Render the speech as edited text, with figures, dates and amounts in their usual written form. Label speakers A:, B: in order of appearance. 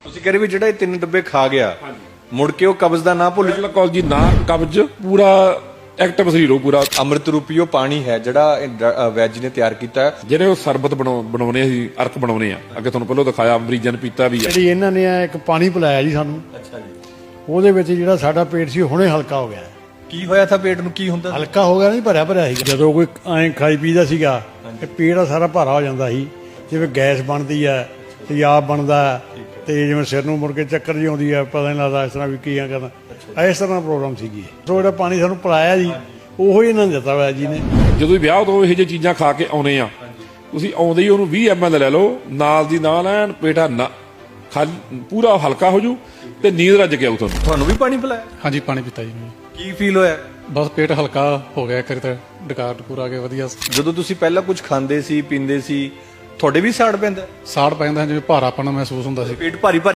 A: ਤੁਸੀਂ ਕਹ ਰਹੇ ਵੀ ਜਿਹੜਾ ਇਹ 3 ਡੱਬੇ ਖਾ ਗਿਆ ਮੁੜ ਕੇ ਉਹ ਕਬਜ਼ ਦਾ ਨਾ ਭੁੱਲ
B: ਬਿਲਕੁਲ ਜੀ, ਨਾ ਕਬਜ਼, ਪੂਰਾ ਐਕਟਿਵ ਸਰੀਰ ਹੋ ਪੂਰਾ।
A: ਅੰਮ੍ਰਿਤ ਰੂਪੀ ਉਹ ਪਾਣੀ ਹੈ ਜਿਹੜਾ ਵੈਜ ਨੇ ਤਿਆਰ ਕੀਤਾ ਹੈ।
B: ਜਿਹੜੇ ਉਹ ਸਰਬਤ ਬਣਾਉਣੇ ਅਸੀਂ ਅਰਕ ਬਣਾਉਣੇ ਆ, ਅੱਗੇ ਤੁਹਾਨੂੰ ਪਹਿਲਾਂ ਦਿਖਾਇਆ, ਮਰੀਜ਼ਾਂ ਨੇ ਪੀਤਾ ਵੀ ਆ।
C: ਜਿਹੜੀ ਇਹਨਾਂ ਨੇ ਇੱਕ ਪਾਣੀ ਪਿਲਾਇਆ ਜੀ ਸਾਨੂੰ,
A: ਅੱਛਾ ਜੀ।
C: ਉਹਦੇ ਵਿੱਚ ਜਿਹੜਾ ਸਾਡਾ ਪੇਟ ਸੀ ਹੁਣੇ ਹਲਕਾ ਹੋ ਗਿਆ।
A: ਕੀ ਹੋਇਆ ਥਾ ਪੇਟ ਨੂੰ, ਕੀ ਹੁੰਦਾ?
C: ਹਲਕਾ ਹੋ ਗਿਆ ਨਹੀਂ, ਭਰਿਆ ਭਰਿਆ ਸੀ। ਜਦੋਂ ਕੋਈ ਐਂ ਖਾਈ ਪੀਦਾ ਸੀਗਾ ਤੇ ਪੇਟ ਦਾ ਸਾਰਾ ਭਾਰਾ ਹੋ ਜਾਂਦਾ ਸੀ, ਜਿਵੇਂ ਗੈਸ ਬਣਦੀ ਹੈ, ਤੇਜ਼ਾਬ ਬਣਦਾ, ਤੇ ਜਿਵੇਂ ਸਿਰ ਨੂੰ ਮੁੜ ਕੇ ਚੱਕਰ ਜਿਹੀ ਆਉਂਦੀ ਹੈ, ਪਤਾ ਨਹੀਂ ਲੱਗਦਾ ਇਸ ਤਰ੍ਹਾਂ ਵੀ ਕੀ ਕਰਨਾ, ਇਸ ਤਰ੍ਹਾਂ ਪ੍ਰੋਬਲਮ ਸੀਗੀ। ਸੋ ਜਿਹੜਾ ਪਾਣੀ ਸਾਨੂੰ ਪਿਲਾਇਆ ਜੀ ਉਹੀ ਇਹਨਾਂ ਨੇ ਦਿੱਤਾ ਹੋਇਆ ਜੀ ਨੇ।
B: ਜਦੋਂ ਵਿਆਹ ਤੋਂ ਇਹੋ ਜਿਹੀਆਂ ਚੀਜ਼ਾਂ ਖਾ ਕੇ ਆਉਨੇ ਆ, ਤੁਸੀਂ ਆਉਂਦੇ ਹੀ ਉਹਨੂੰ 20 ml ਲੈ ਲਓ, ਨਾਲ ਦੀ ਨਾਲ ਐਨ ਪੇਟਾ ਪੂਰਾ ਹਲਕਾ ਹੋ ਜੂ ਤੇ ਨੀਂਦ ਰੱਜ ਕੇ ਆਊ ਤੁਹਾਨੂੰ।
A: ਤੁਹਾਨੂੰ ਵੀ ਪਾਣੀ ਪਿਲਾਇਆ?
D: ਹਾਂਜੀ, ਪਾਣੀ ਪੀਤਾ ਜੀ ਮੈਂ।
A: ਕੀ ਫੀਲ ਹੋਇਆ?
D: ਬਸ ਪੇਟ ਹਲਕਾ ਹੋ ਗਿਆ, ਕਰੇ ਤਾਂ ਡਕਾਰ ਡਕੂਰ ਆ ਗਿਆ ਵਧੀਆ।
A: ਜਦੋਂ ਤੁਸੀਂ ਪਹਿਲਾਂ ਕੁਝ ਖਾਂਦੇ ਸੀ ਪੀਂਦੇ ਸੀ, ਤੁਹਾਡੇ ਵੀ ਸਾੜ ਪੈਂਦਾ?
D: ਸਾੜ ਪੈਂਦਾ, ਜਿਵੇਂ ਭਾਰਾਪਣ ਮਹਿਸੂਸ ਹੁੰਦਾ ਸੀ।
A: ਪੇਟ ਭਾਰੀ